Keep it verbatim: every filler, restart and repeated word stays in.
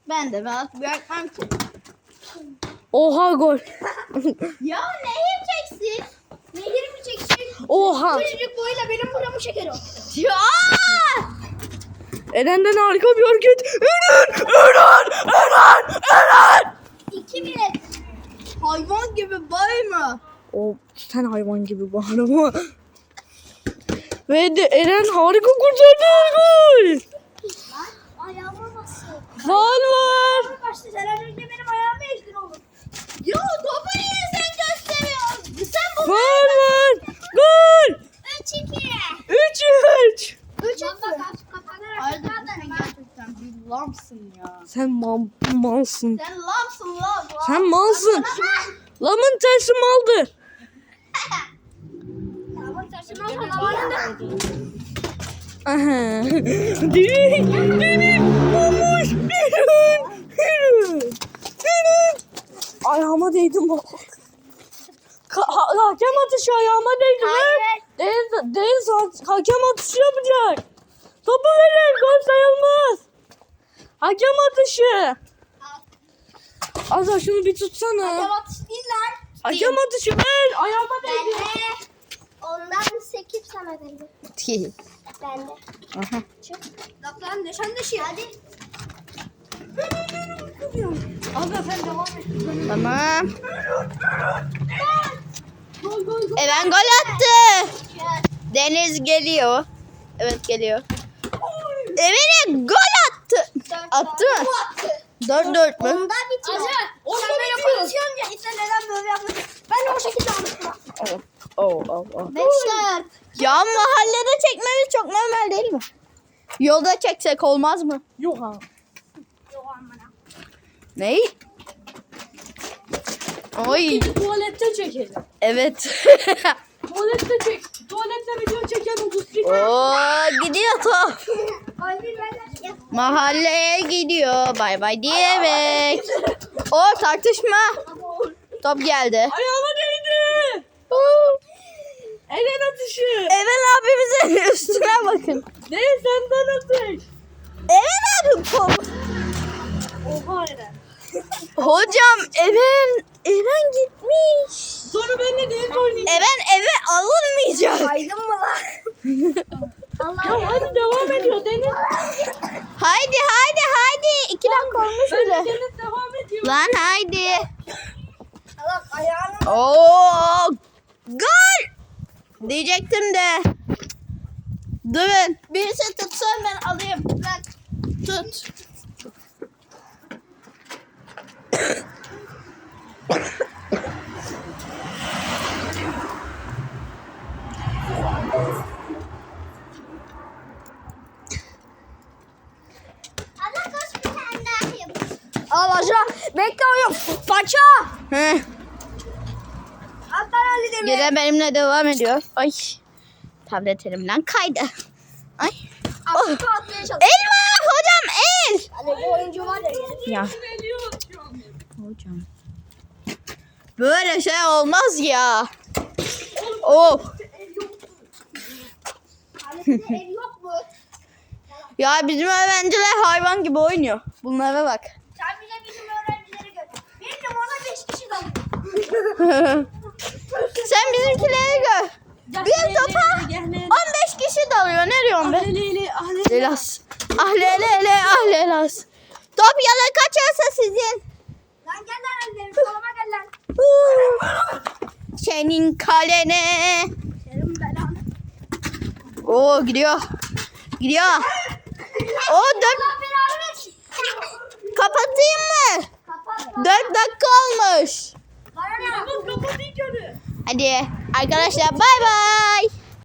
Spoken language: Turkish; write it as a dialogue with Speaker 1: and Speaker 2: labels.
Speaker 1: Ben de rahat bırakmam ki.
Speaker 2: Oha gol.
Speaker 1: Ya nehir çeksin. Nehir mi çeksin?
Speaker 2: Oha.
Speaker 1: Küçücük boyuyla benim buramı çeker o. Ya!
Speaker 2: Eren'den harika bir hareket. Eren! Eren! Eren! Eren!
Speaker 1: İki bir. Hayvan gibi bağırma.
Speaker 2: O sen hayvan gibi bağırma. Ve de Eren harika kurtardı gol.
Speaker 1: Ayağıma basıyor.
Speaker 2: Faul var.
Speaker 1: Başta sen az önce benim ayağımı ezdin oğlum. Ya topu niye sen gösteriyorsun? Sen bu.
Speaker 2: Faul var. Gol.
Speaker 1: Üç iki.
Speaker 2: üç üç.
Speaker 1: Üç iki. Ayrıca sen gerçekten bir lamsın ya.
Speaker 2: Sen mal, malsın.
Speaker 1: Sen lamsın lan.
Speaker 2: Sen malsın. Lamın tersi maldı.
Speaker 1: Lamın tersi maldı. Zamanında.
Speaker 2: Aha. Direk. Direk. Olmuş. Eren. Eren. Eren. Ayağıma değdim bak. Ha ha- hakem atışı ayağıma değdi.
Speaker 1: Hayır.
Speaker 2: Deniz, Deniz ha- hakem atışı yapacak. Topu verin. Gol sayılmaz. Hakem atışı. Azra şunu bir tutsana.
Speaker 1: Hakem atışı değil lan.
Speaker 2: Hakem atışı ver. Ayağıma
Speaker 1: Ben
Speaker 2: değdi.
Speaker 1: de ondan sekiz sana verdim. Ben de.
Speaker 2: Aha.
Speaker 1: Çık. Bak lan nişan dışı. Hadi.
Speaker 2: Azra sen devam et.
Speaker 1: Tamam.
Speaker 2: Gol gol gol.
Speaker 1: Eren gol attı. Deniz geliyor. Evet geliyor. Eren'e gol attı. Attı mı? Dört dört mü?
Speaker 3: Onda bitiyor.
Speaker 2: Orada
Speaker 3: Sen böyle
Speaker 2: bitiyor.
Speaker 3: konuşuyorsun ya işte neden böyle yapıyorsun? Ben de o şekilde anlattım.
Speaker 2: Oh oh oh oh.
Speaker 3: Beş dört.
Speaker 1: Ya mahallede çekmemiz çok normal değil mi? Yolda çeksek olmaz mı?
Speaker 2: Yok ha.
Speaker 3: Yok amına.
Speaker 1: Ney? Oy.
Speaker 2: Tuvalette çekelim.
Speaker 1: Evet.
Speaker 2: Tuvalette çek. Tuvalette video çeken otuz iki.
Speaker 1: Oo gidiyor top.
Speaker 3: Gol bir ben de.
Speaker 1: Mahalleye gidiyor. Bay bay diyerek. O tartışma. Top geldi.
Speaker 2: Ayağıma değdi. Eren atışı.
Speaker 1: Eren abimizin üstüne bakın.
Speaker 2: Ne senden atış.
Speaker 1: Eren abi top.
Speaker 2: Oha Eren.
Speaker 1: Hocam Eren Eren gitmiş.
Speaker 2: Sonra benimle değil oynayacağım.
Speaker 1: Eren eve alınmayacak.
Speaker 3: Aydın mı lan?
Speaker 2: Ya hadi devam ediyor Deniz.
Speaker 1: Haydi haydi haydi. İki dakika olmuş
Speaker 2: Ben de
Speaker 1: bile.
Speaker 2: Deniz devam ediyor.
Speaker 1: Lan haydi.
Speaker 3: Allah ayağını.
Speaker 1: Oo gol. Diyecektim de. Durun. Birisi tutsun ben alayım. Bırak. Tut.
Speaker 3: Allah koş bir tane daha yap.
Speaker 1: Al aşağı. Bekle oğlum. Paça. Heh.
Speaker 3: Alttan halledelim.
Speaker 1: Gene benimle devam ediyor. Ay. Tablet elimden kaydı. Ay. Oh.
Speaker 3: Afrika atmaya çalış.
Speaker 1: El var hocam el.
Speaker 3: Hani bu oyuncu var ya.
Speaker 1: Ya. Hocam. Böyle şey olmaz ya. Oh.
Speaker 3: Kalesinde el yok mu?
Speaker 1: Ya bizim öğrenciler hayvan gibi oynuyor. Bunlara bak.
Speaker 3: Sen bize bizim öğrencileri gör. Benim ona beş kişi dalıyor.
Speaker 1: Sen bizimkileri gör. Bir topa on beş kişi dalıyor. Ne diyorsun be?
Speaker 2: Ahleli ahleli.
Speaker 1: Lelas. Ah lelele ah lelas. Top yana kaçarsa sizin.
Speaker 3: Lan gel lan ellerim. Soluma gel lan.
Speaker 1: Senin kalene.
Speaker 3: Senin belanı.
Speaker 1: Oo gidiyor. Gidiyor. O dört.
Speaker 3: Allah belanı versin.
Speaker 1: Kapatayım mı?
Speaker 3: Kapat.
Speaker 1: Dört dakika olmuş.
Speaker 3: Bana ne yapıyorsun?
Speaker 2: Kapat ilk önü.
Speaker 1: Hadi arkadaşlar bay bay.